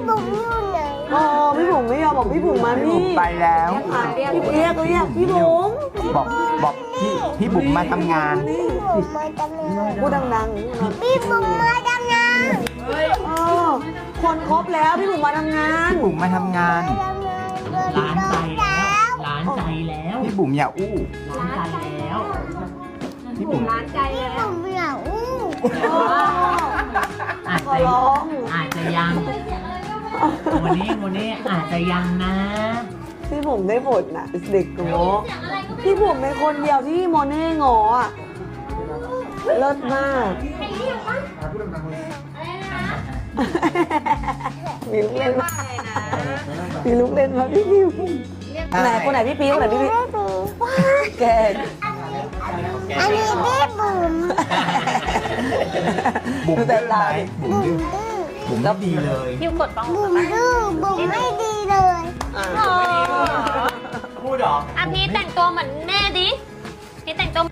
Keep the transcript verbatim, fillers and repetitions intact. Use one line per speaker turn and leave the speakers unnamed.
บุ๋มอยู่ไหน
อ๋อพี่บุ๋มไม่ยอมบอกพี่บุ๋มมา
พี่
นี่
บุ๋มไปแล้ว
พี่เรียกเรียกพี่บุ๋ม
บอกบอกพี่พี่บุ๋มมาทำงาน
พี่บุ๋มมาทำงาน
พูดดังๆ
พี่บุ๋มมาทำงาน
เออคนครบแล้วพี่บุ๋มมาทำงาน
พี่บุ๋มมาทำงาน
มาทำงาน
ร้านใจแล้ว ร้านใจแล้ว
พี่บุ๋มอย่าอู้
ร้านใจแล้ว
พี่บุ๋ม
พี่บุ๋มอยากอู้
อ๋อ
อาจ
ขอ
จะ
ร้อง
อาจจะยัง วันนี้วันนี้อาจจะยังนะ
พี่บุ๋มได้บทนะเด็กโง่พี่บุ๋มเป็นคนเดียวที่โมเน่งออ่ะเลิศมากมีลูกเล่นมากมีลูกเล่นมาพี่พิวไหนคนไหนพี่พิวคนไหนพี่พิว
พี่บุ๋ม
แก
อันนี้พี่บุ๋ม
บุ๋มดื้อไหมบุ๋ม
บุ๋
ดื้
ม
อ
ดื้อ
บุ๋มไม่ดีเลย
พิวกดป้อง
บุ๋มดื้อบุ๋มไม่ดีเลย
พูดหรอ
อ่ะพี่แต่งตัวเหมือนแม่ดิพี่แต่งตัว